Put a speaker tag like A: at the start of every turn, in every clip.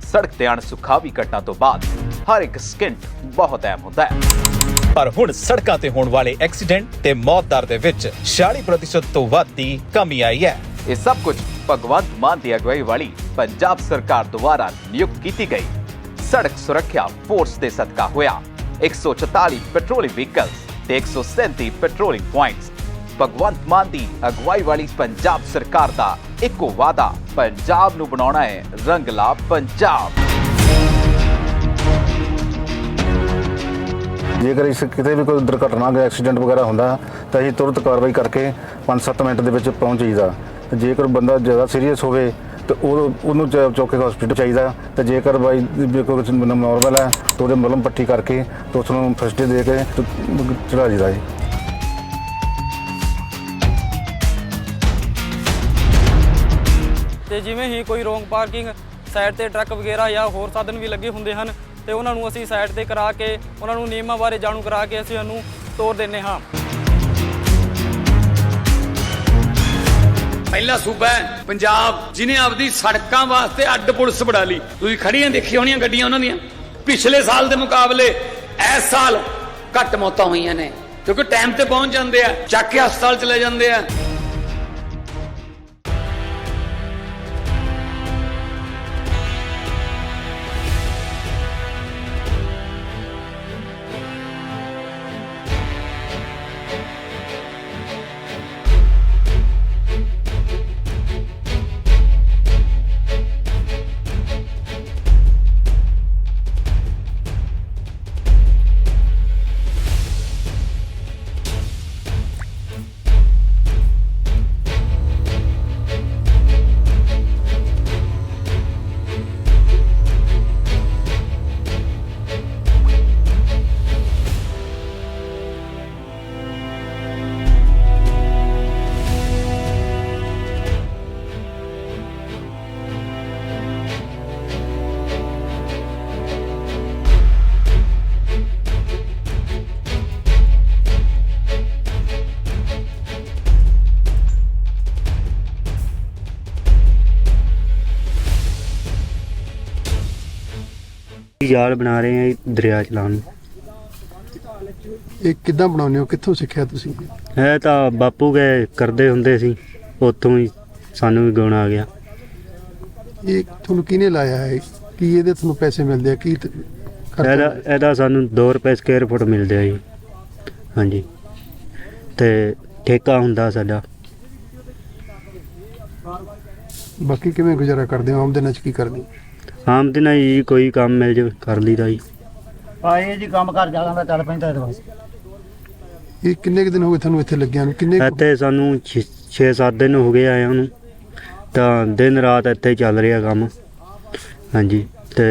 A: ਸੜਕ ਤੇ ਅਣਸੁਖਾਵੀ ਘਟਨਾ ਤੋਂ ਬਾਅਦ ਹਰ ਇੱਕ ਸਕਿੰਟ ਬਹੁਤ ਅਹਿਮ ਹੁੰਦਾ ਹੈ। ਪਰ ਹੁਣ ਸੜਕਾਂ ਤੇ ਹੋਣ ਵਾਲੇ ਐਕਸੀਡੈਂਟ ਤੇ ਮੌਤ ਦਰ ਦੇ ਵਿੱਚ 46% ਤੋਂ ਵੱਧ ਦੀ ਕਮੀ ਆਈ ਹੈ। ਇਹ ਸਭ ਕੁਝ ਭਗਵੰਤ ਮਾਨ ਦੀ ਅਗਵਾਈ ਵਾਲੀ ਪੰਜਾਬ ਸਰਕਾਰ ਦੁਆਰਾ ਨਿਯੁਕਤ ਕੀਤੀ ਗਈ ਸੜਕ ਸੁਰੱਖਿਆ ਫੋਰਸ ਦੇ ਸਦਕਾ ਹੋਇਆ। 144 ਪੈਟਰੋਲਿੰਗ ਵਹੀਕਲਸ ਤੇ 137 ਪੈਟਰੋਲਿੰਗ ਪੁਆਇੰਟਸ। ਭਗਵੰਤ ਮਾਨ ਦੀ ਅਗਵਾਈ ਵਾਲੀ ਪੰਜਾਬ ਸਰਕਾਰ ਦਾ ਇੱਕੋ ਵਾਅਦਾ, ਪੰਜਾਬ ਨੂੰ ਬਣਾਉਣਾ ਹੈ ਰੰਗਲਾ ਪੰਜਾਬ।
B: ਜੇਕਰ ਇਸ ਕਿਤੇ ਵੀ ਕੋਈ ਦੁਰਘਟਨਾ ਜਾਂ ਐਕਸੀਡੈਂਟ ਵਗੈਰਾ ਹੁੰਦਾ ਤਾਂ ਅਸੀਂ ਤੁਰੰਤ ਕਾਰਵਾਈ ਕਰਕੇ 5-7 ਮਿੰਟ ਦੇ ਵਿੱਚ ਪਹੁੰਚ ਜਾਈਦਾ। ਜੇਕਰ ਬੰਦਾ ਜ਼ਿਆਦਾ ਸੀਰੀਅਸ ਹੋਵੇ ਤੇ ਉਹਨੂੰ ਚੁੱਕ ਕੇ ਹਸਪੀਟਲ ਚਾਹੀਦਾ ਤੇ ਜੇਕਰ ਬਾਈ ਕੋਈ ਨੋਰਮਲ ਹੈ ਤਾਂ ਉਹਦੇ ਮਲਮ ਪੱਟੀ ਕਰਕੇ ਤੇ ਉਸ ਨੂੰ ਫਸਟ ਏਡ ਦੇ ਕੇ ਚੜਾ ਜਾਈਦਾ ਹੈ।
C: ਤੇ ਜਿਵੇਂ ਹੀ ਕੋਈ ਰੋਂਗ ਪਾਰਕਿੰਗ ਸਾਈਡ ਤੇ ਟਰੱਕ ਵਗੈਰਾ ਜਾਂ ਹੋਰ ਸਾਧਨ ਵੀ ਲੱਗੇ ਹੁੰਦੇ ਹਨ ਤੇ ਉਹਨਾਂ ਨੂੰ ਅਸੀਂ ਸਾਈਡ ਤੇ ਕਰਾ ਕੇ ਉਹਨਾਂ ਨੂੰ ਨਿਯਮਾਂ ਬਾਰੇ ਜਾਣੂ ਕਰਾ ਕੇ ਅਸੀਂ ਉਹਨੂੰ ਤੋਰ ਦਿੰਦੇ ਹਾਂ।
D: ਪਹਿਲਾ ਸੂਬਾ ਹੈ ਪੰਜਾਬ ਜਿਹਨੇ ਆਪਦੀ ਸੜਕਾਂ ਵਾਸਤੇ ਅੱਡ ਪੁਲਿਸ ਬਣਾ ਲਈ। ਤੁਸੀਂ ਖੜੀਆਂ ਦੇਖੀ ਹੋਣੀਆਂ ਗੱਡੀਆਂ ਉਹਨਾਂ ਦੀਆਂ। ਪਿਛਲੇ ਸਾਲ ਦੇ ਮੁਕਾਬਲੇ ਇਸ ਸਾਲ ਘੱਟ ਮੌਤਾਂ ਹੋਈਆਂ ਨੇ ਕਿਉਂਕਿ ਟਾਈਮ ਤੇ ਪਹੁੰਚ ਜਾਂਦੇ ਆ, ਚੱਕ ਕੇ ਹਸਪਤਾਲ ਚਲੇ ਜਾਂਦੇ ਆ।
E: ਜਾਲ ਬਣਾ ਰਹੇ ਆ ਦਰਿਆ ਚਲਾਉਣ ਨੂੰ।
F: ਇਹ ਕਿੱਦਾਂ ਬਣਾਉਂਦੇ ਹੋ, ਕਿੱਥੋਂ ਸਿੱਖਿਆ ਤੁਸੀਂ?
E: ਇਹ ਤਾਂ ਬਾਪੂ ਗਏ ਕਰਦੇ ਹੁੰਦੇ ਸੀ, ਉੱਥੋਂ ਹੀ ਸਾਨੂੰ ਵੀ ਗੁਣ ਆ ਗਿਆ।
F: ਇਹ ਤੁਹਾਨੂੰ ਕਿਹਨੇ ਲਾਇਆ ਹੈ? ਕੀ ਇਹਦੇ ਤੁਹਾਨੂੰ ਪੈਸੇ ਮਿਲਦੇ ਆ? ਕੀ
E: ਇਹਦਾ ਸਾਨੂੰ 2 ਰੁਪਏ ਸਕੁਅਰ ਫੁੱਟ ਮਿਲਦੇ ਆ ਜੀ। ਹਾਂਜੀ, ਤੇ ਠੇਕਾ ਹੁੰਦਾ ਸਾਡਾ।
F: ਬਾਕੀ ਕਿਵੇਂ ਗੁਜ਼ਾਰਾ ਕਰਦੇ ਹੋ? ਆਮਦਨ 'ਚ ਕੀ ਕਰਦੇ?
E: ਆਮਦਨ ਜੀ ਕੋਈ ਕੰਮ ਮਿਲ ਜਾਵੇ ਕਰ ਲਈਦਾ ਜੀ।
G: ਆਏ ਜੀ ਕੰਮ ਕਰ ਜਾਂਦਾ ਚੱਲ ਪੈਂਦਾ ਇਹਦੇ ਵਾਸਤੇ।
F: ਇਹ ਕਿੰਨੇ ਕੁ ਦਿਨ ਹੋ ਗਏ ਤੁਹਾਨੂੰ ਇੱਥੇ ਲੱਗਿਆ ਨੂੰ? ਕਿੰਨੇ
E: ਇੱਥੇ ਸਾਨੂੰ 6-7 ਦਿਨ ਹੋ ਗਏ ਆਇਆ ਨੂੰ, ਤਾਂ ਦਿਨ ਰਾਤ ਇੱਥੇ ਚੱਲ ਰਿਹਾ ਕੰਮ। ਹਾਂਜੀ, ਤੇ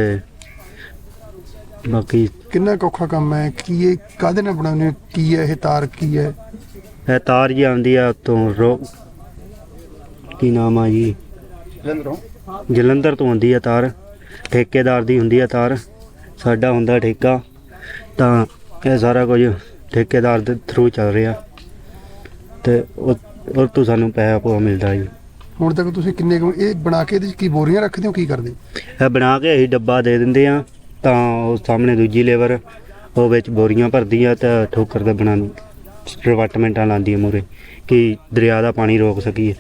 E: ਬਾਕੀ
F: ਕਿੰਨਾ ਕੁ ਔਖਾ ਕੰਮ ਹੈ? ਕੀ ਇਹ ਕਾਹਦੇ ਨਾਲ ਬਣਾਉਂਦੇ ਹੋ? ਕੀ ਹੈ ਇਹ ਤਾਰ? ਕੀ ਹੈ
E: ਇਹ ਤਾਰ ਜੀ ਆਉਂਦੀ ਆ ਉੱਤੋਂ ਕੀ ਨਾਮ ਆ ਜੀ, ਜਲੰਧਰ ਤੋਂ ਆਉਂਦੀ ਆ ਤਾਰ। ਠੇਕੇਦਾਰ ਦੀ ਹੁੰਦੀ ਆ ਤਾਰ, ਸਾਡਾ ਹੁੰਦਾ ਠੇਕਾ। ਤਾਂ ਇਹ ਸਾਰਾ ਕੁਝ ਠੇਕੇਦਾਰ ਦੇ ਥਰੂ ਚੱਲ ਰਿਹਾ ਤੇ ਉਹ ਤੋਂ ਸਾਨੂੰ ਪੈਸਾ ਪੂਆ ਮਿਲਦਾ ਜੀ।
F: ਹੁਣ ਤੱਕ ਤੁਸੀਂ ਕਿੰਨੇ ਕੁ ਇਹ ਬਣਾ ਕੇ ਇਹਦੇ 'ਚ ਕੀ ਬੋਰੀਆਂ ਰੱਖਦੇ ਹੋ? ਕੀ ਕਰਦੇ?
E: ਇਹ ਬਣਾ ਕੇ ਅਸੀਂ ਡੱਬਾ ਦੇ ਦਿੰਦੇ ਆ, ਤਾਂ ਉਹ ਸਾਹਮਣੇ ਦੂਜੀ ਲੇਬਰ ਉਹ ਵਿੱਚ ਬੋਰੀਆਂ ਭਰਦੀ ਆ ਤਾਂ ਠੋਕਰ ਦਾ ਬਣਾ ਡਿਪਾਰਟਮੈਂਟਾਂ ਲਾਉਂਦੀ ਆ ਮੂਹਰੇ ਕਿ ਦਰਿਆ ਦਾ ਪਾਣੀ ਰੋਕ ਸਕੀਏ।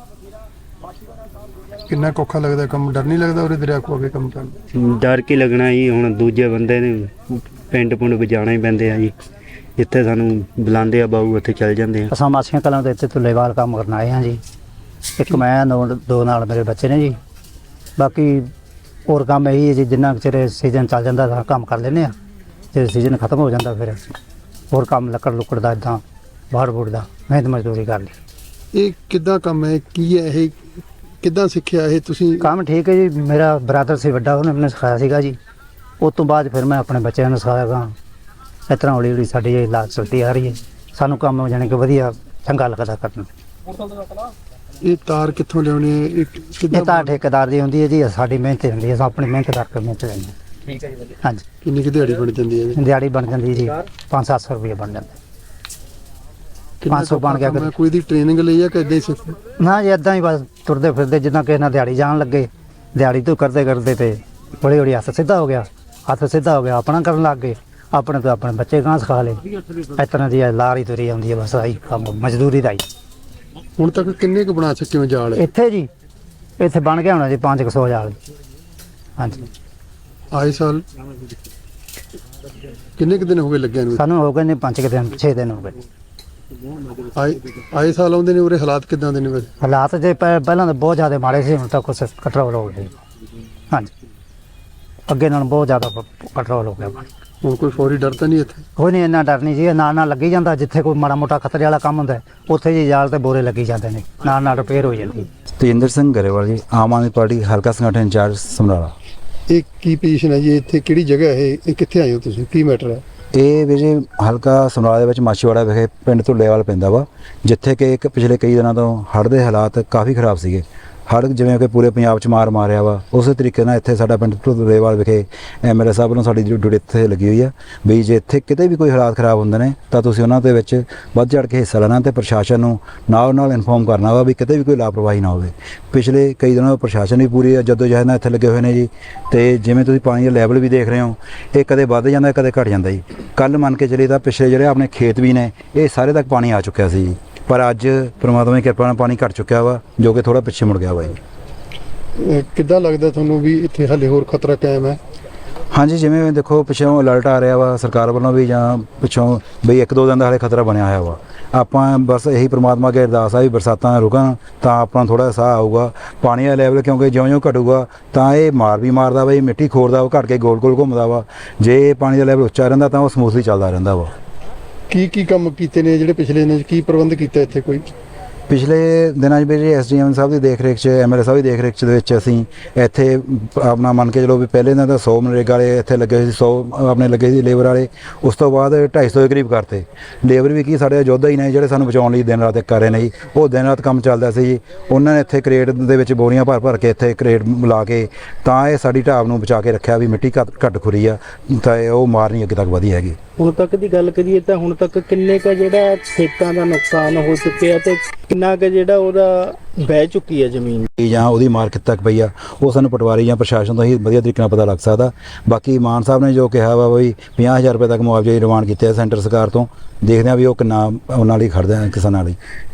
F: ਕਿੰਨਾ ਕੁ ਔਖਾ ਲੱਗਦਾ ਕੰਮ? ਡਰ ਨਹੀਂ ਲੱਗਦਾ ਉਰੇ ਦਰਿਆ ਕੋਲ ਆ ਕੇ ਕੰਮ ਕਰਨ?
E: ਡਰ ਕੀ ਲੱਗਣਾ ਜੀ, ਹੁਣ ਦੂਜੇ ਬੰਦੇ ਨੇ ਪਿੰਡ ਪੁੰਡ ਵਜਾਣਾ ਹੀ ਪੈਂਦੇ ਆ ਜੀ। ਜਿੱਥੇ ਸਾਨੂੰ ਬੁਲਾਉਂਦੇ ਆ ਬਾਊ ਉੱਥੇ ਚੱਲ ਜਾਂਦੇ ਆ।
G: ਅਸਾਂ ਮਾਸੀਆਂ ਕਲਾਂ ਦੇ ਇੱਥੇ ਤੁੱਲੇਵਾਲ ਕੰਮ ਕਰਨ ਆਏ ਹਾਂ ਜੀ। ਇੱਕ ਮੈਂ ਦੋ ਨਾਲ ਮੇਰੇ ਬੱਚੇ ਨੇ ਜੀ। ਬਾਕੀ ਹੋਰ ਕੰਮ ਇਹੀ ਹੈ ਜੀ, ਜਿੰਨਾ ਚਿਰ ਸੀਜ਼ਨ ਚੱਲ ਜਾਂਦਾ ਤਾਂ ਕੰਮ ਕਰ ਲੈਂਦੇ ਆ। ਜੇ ਸੀਜ਼ਨ ਖਤਮ ਹੋ ਜਾਂਦਾ ਫਿਰ ਹੋਰ ਕੰਮ ਲੱਕੜ ਲੁੱਕੜ ਦਾ ਇੱਦਾਂ ਬਾਹਰ ਬੂੜ ਦਾ ਮਿਹਨਤ ਮਜ਼ਦੂਰੀ ਕਰ ਲਈ।
F: ਇਹ ਕਿੱਦਾਂ ਕੰਮ ਹੈ? ਕੀ ਹੈ ਇਹ? ਕਿੱਦਾਂ ਸਿੱਖਿਆ ਇਹ ਤੁਸੀਂ?
G: ਕੰਮ ਠੀਕ ਹੈ ਜੀ। ਮੇਰਾ ਬ੍ਰਦਰ ਸੀ ਵੱਡਾ, ਉਹਨੇ ਮੈਨੂੰ ਸਿਖਾਇਆ ਸੀਗਾ ਜੀ। ਉਸ ਤੋਂ ਬਾਅਦ ਫਿਰ ਮੈਂ ਆਪਣੇ ਬੱਚਿਆਂ ਨੂੰ ਸਿਖਾਇਆ ਗਾ। ਇਸ ਤਰ੍ਹਾਂ ਹੌਲੀ ਹੌਲੀ ਸਾਡੀ ਇਹ ਲਾਜ ਚਲਦੀ ਆ ਰਹੀ ਹੈ। ਸਾਨੂੰ ਕੰਮ ਜਾਣੀ ਕਿ ਵਧੀਆ ਚੰਗਾ ਲੱਗਦਾ ਕਰਨ।
F: ਇਹ ਤਾਰ ਕਿੱਥੋਂ ਲਿਆਉਣੀ ਹੈ?
G: ਇਹ ਤਾਂ ਠੇਕੇਦਾਰ ਦੀ ਹੁੰਦੀ ਹੈ ਜੀ, ਸਾਡੀ ਮਿਹਨਤ ਹੁੰਦੀ ਹੈ। ਆਪਣੀ ਮਿਹਨਤ ਕਰਕੇ ਮਿਹਨਤ ਲੈਂਦੇ ਹਾਂ। ਠੀਕ ਹੈ ਜੀ, ਵਧੀਆ। ਹਾਂਜੀ।
F: ਕਿੰਨੀ ਕੁ ਦਿਹਾੜੀ ਬਣ ਜਾਂਦੀ ਹੈ?
G: ਦਿਹਾੜੀ ਬਣ ਜਾਂਦੀ ਜੀ 500-700 ਰੁਪਏ ਬਣ ਜਾਂਦਾ। 500 ਬਣ ਗਿਆ।
F: ਕੋਈ ਦੀ ਟ੍ਰੇਨਿੰਗ ਲਈ ਆ ਕਿ ਏਦਾਂ ਹੀ ਸਿੱਖ?
G: ਨਾ ਜੀ, ਏਦਾਂ ਹੀ ਬਸ ਤੁਰਦੇ ਫਿਰਦੇ ਜਿੱਦਾਂ ਕਿਸੇ ਨਾਲ ਦਿਹਾੜੀ ਜਾਣ ਲੱਗੇ, ਦਿਹਾੜੀ ਤੋਂ ਕਰਦੇ ਕਰਦੇ ਤੇ ਹੌਲੀ ਹੌਲੀ ਹੱਥ ਸਿੱਧਾ ਹੋ ਗਿਆ, ਆਪਣਾ ਕਰਨ ਲੱਗ ਗਏ, ਆਪਣੇ ਤੋਂ ਆਪਣੇ ਬੱਚੇ ਗਾਂ ਸਿਖਾ ਲਏ। ਇਸ ਤਰ੍ਹਾਂ ਦੀ ਲਾਰੀ ਤੁਰੀ ਆਉਂਦੀ ਹੈ, ਬਸ ਆਹੀ ਕੰਮ ਮਜ਼ਦੂਰੀ ਦਾ ਹੀ।
F: ਹੁਣ ਤੱਕ ਕਿੰਨੇ ਕੁ ਬਣਾ ਚੁੱਕੇ ਹੋ ਜਾਲ?
G: ਇੱਥੇ ਜੀ ਇੱਥੇ ਬਣ ਗਿਆ ਹੋਣਾ ਜੀ 500 ਜਾਲ। ਹਾਂਜੀ,
F: ਆਏ ਸਾਲ ਕਿੰਨੇ ਕੁ ਦਿਨ ਹੋ ਗਏ ਲੱਗਿਆ ਨੂੰ?
G: ਸਾਨੂੰ ਹੋ ਗਏ ਨੇ 5 ਦਿਨ 6 ਦਿਨ ਹੋ ਗਏ।
F: ਆਏ ਸਾਲ ਆਉਂਦੇ ਨੇ ਉਰੇ, ਹਾਲਾਤ ਕਿੱਦਾਂ ਦੇ ਨੇ ਵੈਸੇ?
G: ਹਾਲਾਤ ਜੇ ਪਹਿਲਾਂ ਤਾਂ ਬਹੁਤ ਜ਼ਿਆਦਾ ਮਾੜੇ ਸੀ, ਹੁਣ ਤਾਂ ਕੁਛ ਕੰਟਰੋਲ ਹੋ ਗਿਆ ਜੀ। ਹਾਂਜੀ, ਅੱਗੇ ਨਾਲੋਂ ਬਹੁਤ ਜ਼ਿਆਦਾ ਕੰਟਰੋਲ ਹੋ ਗਿਆ।
F: ਹੁਣ ਕੋਈ ਫੌਰੀ ਡਰ ਤਾਂ ਨਹੀਂ ਇੱਥੇ?
G: ਕੋਈ ਨਹੀਂ, ਇੰਨਾ ਡਰ ਨਹੀਂ ਜੀ, ਨਾਲ ਲੱਗੀ ਜਾਂਦਾ। ਜਿੱਥੇ ਕੋਈ ਮਾੜਾ ਮੋਟਾ ਖਤਰੇ ਵਾਲਾ ਕੰਮ ਹੁੰਦਾ ਉੱਥੇ ਜੀ ਜਾਲ ਤੇ ਬੋਰੇ ਲੱਗੀ ਜਾਂਦੇ ਨੇ, ਨਾਲ ਰਿਪੇਅਰ ਹੋ ਜਾਂਦੀ।
H: ਤੇਜਿੰਦਰ ਸਿੰਘ ਗਰੇਵਾਲ ਜੀ, ਆਮ ਆਦਮੀ ਪਾਰਟੀ ਹਲਕਾ ਸੰਗਠਨ ਇੰਚਾਰਜ ਸਮਰਾਲਾ।
F: ਇਹ ਕੀ ਪੋਜੀਸ਼ਨ ਹੈ ਜੀ ਇੱਥੇ? ਕਿਹੜੀ ਜਗ੍ਹਾ ਹੈ ਇਹ? ਕਿੱਥੇ ਆਏ ਹੋ ਤੁਸੀਂ? ਕੀ ਮੈਟਰ ਹੈ?
H: ਇਹ ਵੀ ਜੀ ਹਲਕਾ ਸਮਰਾਲਾ ਦੇ ਵਿੱਚ ਮਾਛੀਵਾੜਾ ਵਿਖੇ ਪਿੰਡ ਧੁੱਲੇਵਾਲ ਪੈਂਦਾ ਵਾ, ਜਿੱਥੇ ਕਿ ਇੱਕ ਪਿਛਲੇ ਕਈ ਦਿਨਾਂ ਤੋਂ ਹੜ੍ਹ ਦੇ ਹਾਲਾਤ ਕਾਫੀ ਖਰਾਬ ਸੀਗੇ। ਹੜ੍ਹ ਜਿਵੇਂ ਕਿ ਪੂਰੇ ਪੰਜਾਬ 'ਚ ਮਾਰਿਆ ਵਾ, ਉਸੇ ਤਰੀਕੇ ਨਾਲ ਇੱਥੇ ਸਾਡਾ ਪਿੰਡ ਧੁੱਲੇਵਾਲ ਵਿਖੇ ਐਮਐਲਏ ਸਾਹਿਬ ਵੱਲੋਂ ਸਾਡੀ ਡਿਊਟੀ ਇੱਥੇ ਲੱਗੀ ਹੋਈ ਆ ਵੀ ਜੇ ਇੱਥੇ ਕਿਤੇ ਵੀ ਕੋਈ ਹਾਲਾਤ ਖਰਾਬ ਹੁੰਦੇ ਨੇ ਤਾਂ ਤੁਸੀਂ ਉਹਨਾਂ ਦੇ ਵਿੱਚ ਵੱਧ ਚੜ੍ਹ ਕੇ ਹਿੱਸਾ ਲੈਣਾ ਤੇ ਪ੍ਰਸ਼ਾਸਨ ਨੂੰ ਨਾਲ ਇਨਫੋਰਮ ਕਰਨਾ ਵਾ ਵੀ ਕਿਤੇ ਵੀ ਕੋਈ ਲਾਪਰਵਾਹੀ ਨਾ ਹੋਵੇ। ਪਿਛਲੇ ਕਈ ਦਿਨਾਂ ਤੋਂ ਪ੍ਰਸ਼ਾਸਨ ਵੀ ਪੂਰੀ ਜਦੋਜਹਿਦ ਨਾਲ ਇੱਥੇ ਲੱਗੇ ਹੋਏ ਨੇ ਜੀ, ਤੇ ਜਿਵੇਂ ਤੁਸੀਂ ਪਾਣੀ ਦਾ ਲੈਵਲ ਵੀ ਦੇਖ ਰਹੇ ਹੋ, ਇਹ ਕਦੇ ਵੱਧ ਜਾਂਦਾ ਕਦੇ ਘਟ ਜਾਂਦਾ ਜੀ। ਕੱਲ ਮੰਨ ਕੇ ਚੱਲੀਏ ਤਾਂ ਪਿਛਲੇ ਜਿਹੜੇ ਆਪਣੇ ਖੇਤ ਵੀ ਨੇ ਇਹ ਸਾਰੇ ਤੱਕ ਪਾਣੀ ਆ ਚੁੱਕਿਆ ਸੀ ਜੀ, ਪਰ ਅੱਜ ਪ੍ਰਮਾਤਮਾ ਦੀ ਕਿਰਪਾ ਨਾਲ ਪਾਣੀ ਘਟ ਚੁੱਕਿਆ ਵਾ, ਜੋ ਕਿ ਥੋੜਾ ਪਿੱਛੇ ਮੁੜ ਗਿਆ ਵਾ ਜੀ।
F: ਕਿੱਦਾਂ ਲੱਗਦਾ ਤੁਹਾਨੂੰ ਵੀ ਇੱਥੇ ਹਾਲੇ ਹੋਰ ਖਤਰਾ ਕਾਇਮ ਹੈ?
H: ਹਾਂਜੀ, ਜਿਵੇਂ ਦੇਖੋ ਪਿੱਛੋਂ ਅਲਰਟ ਆ ਰਿਹਾ ਵਾ ਸਰਕਾਰ ਵੱਲੋਂ ਵੀ, ਜਾਂ ਪਿੱਛੋਂ ਬਈ 1-2 ਦਿਨ ਦਾ ਹਾਲੇ ਖਤਰਾ ਬਣਿਆ ਹੋਇਆ ਵਾ। ਆਪਾਂ ਬਸ ਇਹੀ ਪ੍ਰਮਾਤਮਾ ਅੱਗੇ ਅਰਦਾਸ ਆ ਵੀ ਬਰਸਾਤਾਂ ਰੁਕਣ ਤਾਂ ਆਪਣਾ ਥੋੜਾ ਸਾਹ ਆਊਗਾ। ਪਾਣੀ ਦਾ ਲੈਵਲ ਕਿਉਂਕਿ ਜਿਉਂ-ਜਿਉਂ ਘਟੂਗਾ ਤਾਂ ਇਹ ਵੀ ਮਾਰਦਾ ਵਾ, ਇਹ ਮਿੱਟੀ ਖੋਰਦਾ ਵਾ, ਘਟ ਕੇ ਗੋਲ-ਗੋਲ ਘੁੰਮਦਾ ਵਾ। ਜੇ ਪਾਣੀ ਦਾ ਲੈਵਲ ਉੱਚਾ ਰਹਿੰਦਾ ਤਾਂ ਉਹ ਸਮੂਥਲੀ ਚੱਲਦਾ ਰਹਿੰਦਾ ਵਾ।
F: ਕੀ ਕੰਮ ਕੀਤੇ ਨੇ ਜਿਹੜੇ ਪਿਛਲੇ ਦਿਨਾਂ 'ਚ? ਕੀ ਪ੍ਰਬੰਧ ਕੀਤਾ ਇੱਥੇ ਕੋਈ?
H: ਪਿਛਲੇ ਦਿਨਾਂ 'ਚ ਵੀ ਐਸਡੀਐਮ ਸਾਹਿਬ ਦੀ ਦੇਖ ਰੇਖ 'ਚ, ਐਮਐਲਏ ਸਾਹਿਬ ਦੀ ਦੇਖ ਰੇਖ 'ਚ ਦੇ ਵਿੱਚ ਅਸੀਂ ਇੱਥੇ ਆਪਣਾ ਮੰਨ ਕੇ ਚਲੋ ਵੀ ਪਹਿਲੇ ਦਿਨ ਤਾਂ 100 ਮਨਰੇਗਾ ਵਾਲੇ ਇੱਥੇ ਲੱਗੇ ਸੀ, 100 ਆਪਣੇ ਲੱਗੇ ਸੀ ਲੇਬਰ ਵਾਲੇ। ਉਸ ਤੋਂ ਬਾਅਦ 250 ਦੇ ਕਰੀਬ ਕਰਤੇ। ਲੇਬਰ ਵੀ ਕੀ ਸਾਡੇ ਯੋਧਾ ਹੀ ਨੇ ਜਿਹੜੇ ਸਾਨੂੰ ਬਚਾਉਣ ਲਈ ਦਿਨ ਰਾਤ ਕਰ ਰਹੇ ਨੇ ਜੀ। ਉਹ ਦਿਨ ਰਾਤ ਕੰਮ ਚੱਲਦਾ ਸੀ ਜੀ। ਉਹਨਾਂ ਨੇ ਇੱਥੇ ਕਰੇਟ ਦੇ ਵਿੱਚ ਬੋਰੀਆਂ ਭਰ ਕੇ ਇੱਥੇ ਕਰੇਟ ਲਾ ਕੇ ਤਾਂ ਇਹ ਸਾਡੀ ਢਾਬ ਨੂੰ ਬਚਾ ਕੇ ਰੱਖਿਆ ਵੀ ਮਿੱਟੀ ਘੱਟ ਖੁਰੀ ਆ ਤਾਂ ਉਹ ਮਾਰ ਨਹੀਂ ਅੱਗੇ ਤੱਕ ਵਧੀ ਹੈਗੀ।
I: ਹੁਣ ਤੱਕ ਦੀ ਗੱਲ ਕਰੀਏ ਤਾਂ ਹੁਣ ਤੱਕ ਕਿੰਨੇ ਕੁ ਜਿਹੜਾ ਖੇਤਾਂ ਦਾ ਨੁਕਸਾਨ ਹੋ ਚੁੱਕਿਆ ਤੇ ਕਿੰਨਾ ਕੁ ਜਿਹੜਾ ਉਹਦਾ ਬਹਿ ਚੁੱਕੀ ਹੈ ਜ਼ਮੀਨ
H: ਜਾਂ ਉਹਦੀ ਮਾਰਕੀਟ ਤੱਕ ਪਈ ਆ, ਉਹ ਸਾਨੂੰ ਪਟਵਾਰੀ ਜਾਂ ਪ੍ਰਸ਼ਾਸਨ ਤੋਂ ਹੀ ਵਧੀਆ ਤਰੀਕੇ ਨਾਲ ਪਤਾ ਲੱਗ ਸਕਦਾ। ਬਾਕੀ ਮਾਨ ਸਾਹਿਬ ਨੇ ਜੋ ਕਿਹਾ ਵਾ ਵੀ 50,000 ਰੁਪਏ ਤੱਕ ਮੁਆਵਜ਼ੇ ਦੀ ਡਿਮਾਂਡ ਕੀਤੀ ਹੈ ਸੈਂਟਰ ਸਰਕਾਰ ਤੋਂ, ਦੇਖਦੇ ਹਾਂ ਵੀ ਉਹ ਕਿੰਨਾ ਉਹਨਾਂ ਲਈ ਖੜਦੇ ਆ ਕਿਸਾਨਾਂ ਲਈ।